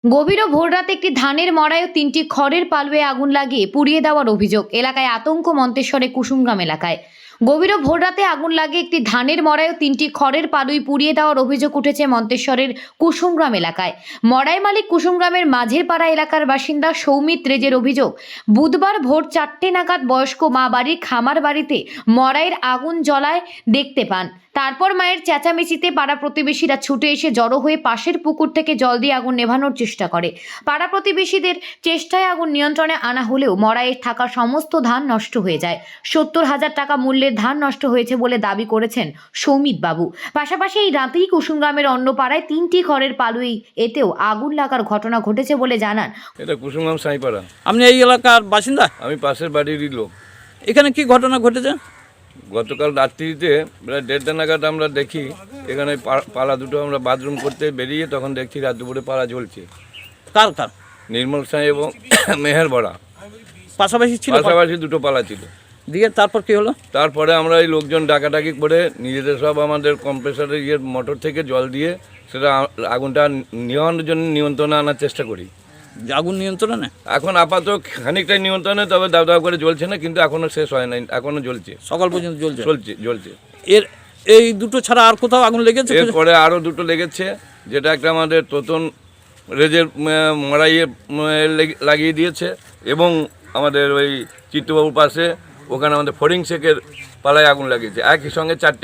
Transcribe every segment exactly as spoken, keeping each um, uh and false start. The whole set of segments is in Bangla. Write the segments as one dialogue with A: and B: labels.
A: গভীর ভোর রাতে একটি ধানের মড়ায় ও তিনটি খড়ের পালুয়ে আগুন লাগিয়ে পুড়িয়ে দেওয়ার অভিযোগ। এলাকায় আতঙ্ক মন্তেশ্বরে কুসুমগ্রাম এলাকায় গভীর ভোর রাতে আগুন লাগে একটি ধানের মড়ায় ও তিনটি খড়ের পালুই পুড়িয়ে দেওয়ার অভিযোগ উঠেছে মন্তেশ্বরের কুসুমগ্রাম এলাকায়। মড়াই মালিক কুসুমগ্রামের মাঝের পাড়া এলাকার বাসিন্দা সৌমিত রেজের অভিযোগ, বুধবার ভোর চারটে নাগাদ বয়স্ক মা বাড়ির খামার বাড়িতে মড়াইয়ের আগুন জ্বলায় দেখতে পান। তারপর মায়ের চেঁচামেচিতে পাড়া প্রতিবেশীরা ছুটে এসে জড়ো হয়ে পাশের পুকুর থেকে জল দিয়ে আগুন নেভানোর চেষ্টা করে। পাড়া প্রতিবেশীদের চেষ্টায় আগুন নিয়ন্ত্রণে আনা হলেও মড়াইয়ে থাকা সমস্ত ধান নষ্ট হয়ে যায়। সত্তর হাজার টাকা মূল্যের ধান নষ্ট হয়েছে বলে দাবি করেছেন সৌমিত বাবু। পাশাপাশি এই রাতেই কুসুমগ্রামের অন্য পাড়ায় তিনটি খড়ের পালুই এতেও আগুন লাগার ঘটনা ঘটেছে বলে জানান।
B: এটা কুসুমগ্রাম সাইপাড়া।
C: আপনি এই এলাকার বাসিন্দা?
B: আমি পাশের বাড়িরই লোক।
C: এখানে কি ঘটনা ঘটেছে?
B: গতকাল রাত্রিতে প্রায় দেড়টা নাগাদ আমরা দেখি এখানে পালা দুটো আমরা বাথরুম করতে বেরিয়ে তখন দেখছি রাত দুপুরে পালা জ্বলছে।
C: কার কার?
B: নির্মল সাঁই এবং মেহের বড়া
C: পাশাপাশি ছিল?
B: পাশাপাশি দুটো পালা ছিল।
C: দিয়ে তারপর কি হলো?
B: তারপরে আমরা এই লোকজন ডাকাডাকি করে নিজেদের সব আমাদের কম্প্রেসারের ইয়ে মোটর থেকে জল দিয়ে সেটা আগুনটা নিয়ন্ত্রণের জন্য নিয়ন্ত্রণে আনার চেষ্টা করি।
C: আগুন নিয়ন্ত্রণে
B: এখন আপাতত খানিকটাই নিয়ন্ত্রণে, তবে দাব দাব করে জ্বলছে না, কিন্তু এখনো শেষ হয় নাই, এখনো জ্বলছে,
C: সকাল পর্যন্ত জ্বলছে
B: চলছে জ্বলছে
C: এর এই দুটো ছাড়া আর কোথাও আগুন লেগেছে?
B: এরপরে আরও দুটো লেগেছে, যেটা একটা আমাদের তোতন রেজের মড়াইয়ে লাগিয়ে দিয়েছে এবং আমাদের ওই চিত্তবাবুর পাশে ওখানে আমাদের ফরিং শেখের পালায় আগুন লাগিয়েছে। একই সঙ্গে চারটে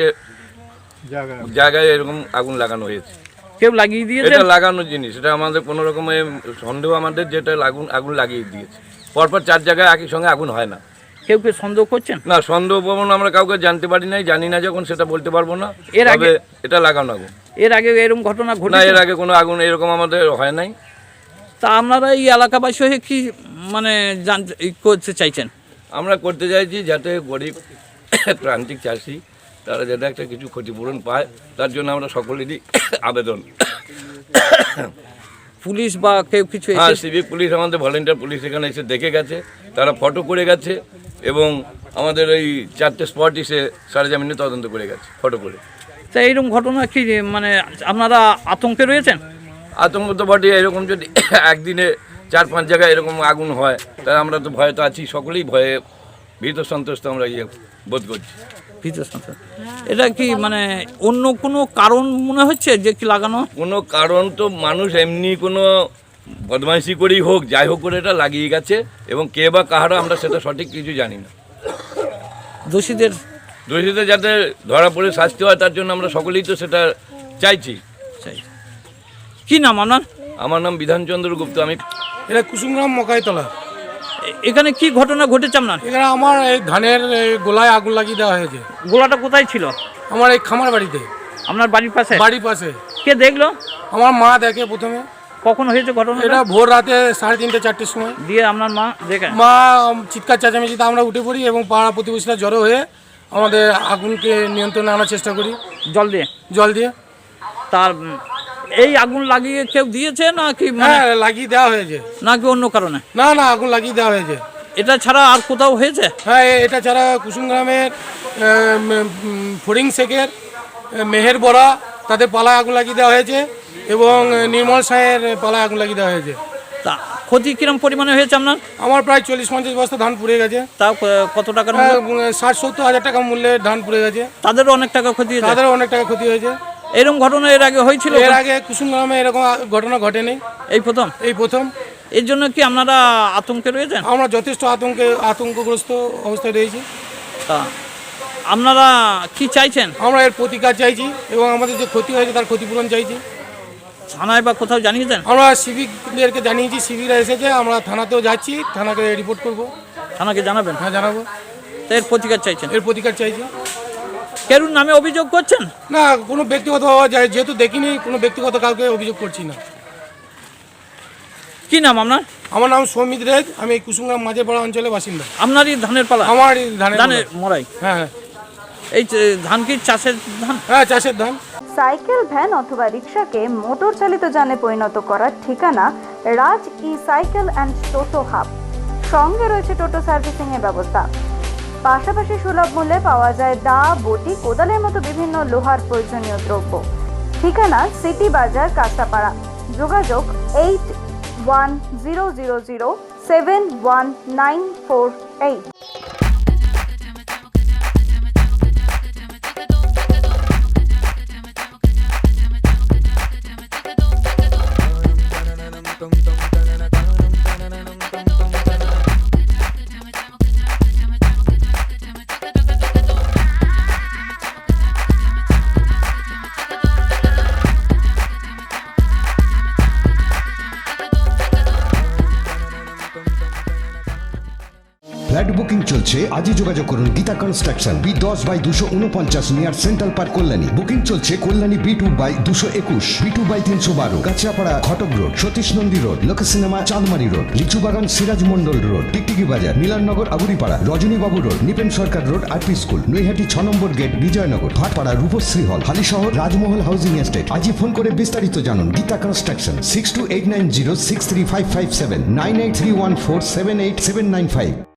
B: জায়গায় এরকম আগুন লাগানো হয়েছে।
C: কেউ লাগিয়ে দিয়েছে?
B: এটা লাগানোর জিনিস, এটা আমাদের কোনো রকমের সন্দেহ আমাদের, যেটা আগুন আগুন লাগিয়ে দিয়েছে। পরপর চার জায়গায় একই সঙ্গে আগুন হয় না।
C: কেউ কেউ সন্দেহ করছেন?
B: না, সন্দেহ প্রবণ আমরা কাউকে জানতে পারি নাই, জানি না যখন সেটা বলতে পারবো না।
C: এর আগে
B: এটা লাগানো আগুন?
C: এর আগে এরকম ঘটনা ঘটে
B: না, এর আগে কোনো আগুন এরকম আমাদের হয় নাই।
C: তা আপনারা এই এলাকাবাসী হয়ে কি মানে জানতে করতে চাইছেন?
B: আমরা করতে চাইছি যাতে গরিব প্রান্তিক চাষি তারা যাতে একটা কিছু ক্ষতিপূরণ পায়, তার জন্য আমরা সকলেরই আবেদন।
C: পুলিশ বা কেউ কিছু?
B: হ্যাঁ, সিভিক পুলিশ, আমাদের ভলেন্টিয়ার পুলিশ এখানে এসে দেখে গেছে, তারা ফটো করে গেছে এবং আমাদের এই চারটে স্পট এসে সরেজমিনে তদন্ত করে গেছে ফটো করে।
C: তা এইরকম ঘটনা কি মানে আপনারা আতঙ্কে রয়েছেন?
B: আতঙ্ক তো বটে, এরকম যদি একদিনে চার পাঁচ জায়গায় এরকম আগুন হয় তাহলে আমরা তো ভয়ে তো আছি, সকলেই ভয়ে ভীত সন্ত্রস্ত আমরা ইয়ে বোধ করছি।
C: ভীত সন্ত্রস্ত। এটা কি মানে অন্য কোনো কারণ মনে হচ্ছে যে কি লাগানো?
B: কোনো কারণ তো মানুষ এমনি কোনো বদমাইশি করেই হোক যাই হোক করে এটা লাগিয়ে গেছে, এবং কে বা কাহারা আমরা সেটা সঠিক কিছু জানি না।
C: দোষীদের
B: দোষীদের যাতে ধরা পড়ে শাস্তি হয় তার জন্য আমরা সকলেই তো সেটা চাইছি।
C: চাই। কি নাম আপনার?
B: আমার নাম বিধানচন্দ্র গুপ্ত। আমি
D: এটা কুসুমগ্রাম মকাইতলা।
C: এখানে কি ঘটনা ঘটেছে আপনার?
D: এখানে আমার এই ধানের এই গোলায় আগুন লাগিয়ে দেওয়া হয়েছে।
C: গোলাটা কোথায় ছিল?
D: আমার এই খামার বাড়িতে।
C: আপনার বাড়ির পাশে?
D: বাড়ির পাশে।
C: কে দেখলো?
D: আমার মা দেখে প্রথমে।
C: কখন হয়েছে ঘটনা?
D: এটা ভোর রাতে সাড়ে তিনটে চারটের সময়।
C: দিয়ে আপনার মা দেখে?
D: মা চিৎকার চেঁচামেচিতে আমরা উঠে পড়ি এবং পাড়া প্রতিবেশীরা জড়ো হয়ে আমাদের আগুনকে নিয়ন্ত্রণে আনার চেষ্টা করি
C: জল দিয়ে।
D: জল দিয়ে।
C: তার এই আগুন লাগিয়ে কেউ দিয়েছে নাকি?
D: হ্যাঁ, লাগিয়ে দেওয়া হয়েছে।
C: নাকি অন্য কারণে?
D: না না, আগুন লাগিয়ে দেওয়া হয়েছে।
C: এটা ছাড়া আর কোথাও হয়েছে?
D: হ্যাঁ, এটা ছাড়া কুসুমগ্রামের ফরিং শেখের মেহের বড়া তাদের পালায় আগুন লাগিয়ে দেওয়া হয়েছে এবং নির্মল সাঁয়ের পালায় আগুন লাগিয়ে দেওয়া হয়েছে।
C: তা ক্ষতি কিরম পরিমাণে হয়েছে আপনার?
D: আমার প্রায় চল্লিশ পঞ্চাশ বস্তা ধান পুড়ে গেছে।
C: তাও কত টাকার?
D: ষাট সত্তর হাজার টাকা মূল্যের ধান পুড়ে গেছে।
C: তাদেরও অনেক টাকা ক্ষতি হয়েছে?
D: তাদেরও অনেক টাকা ক্ষতি হয়েছে।
C: এরকম ঘটনা এর আগে হয়েছিল?
D: এর আগে কুসুমগ্রামে এরকম ঘটনা ঘটেনি,
C: এই প্রথম?
D: এই প্রথম।
C: এর জন্য কি আপনারা আতঙ্কে রয়েছেন?
D: আমরা যথেষ্ট আতঙ্কে আতঙ্কগ্রস্ত অবস্থায় রয়েছি।
C: তা আপনারা কি চাইছেন?
D: আমরা এর প্রতিকার চাইছি এবং আমাদের যে ক্ষতি হয়েছে তার ক্ষতিপূরণ চাইছি।
C: থানায় বা কোথাও জানিয়েছেন?
D: আমরা সিভিকদেরকে জানিয়েছি, সিভিকরা এসেছে, আমরা থানাতেও যাচ্ছি, থানাকে রিপোর্ট করব।
C: থানাকে জানাবেন?
D: হ্যাঁ, জানাবো।
C: তো এর প্রতিকার চাইছেন?
D: এর প্রতিকার চাইছি।
C: কেরুর নামে অভিযোগ করছেন?
D: না, কোনো ব্যক্তিগত যায় যেহেতু দেখিনি, কোনো ব্যক্তিগত কাউকে অভিযোগ করছি না।
C: কি নাম আপনার?
D: আমার নাম সৌমিত রেজ, আমি এই কুসুমগ্রাম মাঝেরপাড়া অঞ্চলের বাসিন্দা।
C: আপনারই ধানের পালা?
D: আমার এই ধানের
C: ধানের মরাই?
D: হ্যাঁ হ্যাঁ।
C: এই ধান কি চাষের ধান?
D: হ্যাঁ, চাষের ধান।
E: সাইকেল, ভ্যান অথবা রিক্সাকে মোটর চালিত যানে পরিণত করার ঠিকানা Raj e cycle and toto hub. সঙ্গে রয়েছে টোটো সার্ভিসিং এর ব্যবস্থা। পাশাপাশি সুলভ মূল্যে পাওয়া যায় দা, বটি, কোদালের মতো বিভিন্ন লোহার প্রয়োজনীয় দ্রব্য। ঠিকানা সিটি বাজার, কাঁচাপাড়া। যোগাযোগ eight one zero zero zero seven one nine four eight.
F: Flat booking চলছে, আজই যোগাযোগ করুন গীতা কনস্ট্রাকশন, বি দশ বাই দুশো উনপঞ্চাশ near central park Kalyani. Booking চলছে কল্যাণী বি টু বাই দুশো একুশ, বি টু বাই তিনশো বারো, Kanchrapara Ghatak road, Satish Nandi road, Lok cinema Chandmari road, Lichubagan Siraj Mandal road, Tiktiki বাজার, Milannagar Aguripara, Rajanibabu road, Nipen Sarkar road, RP school, Naihati ছ নম্বর gate, Bijoynagar, Bhatpara, Rupashree hall, Halisahar, Rajmahal housing estate. আজই ফোন করে বিস্তারিত জানুন। Gita construction, six two eight nine zero six three five five seven, nine eight three one four seven eight seven nine five.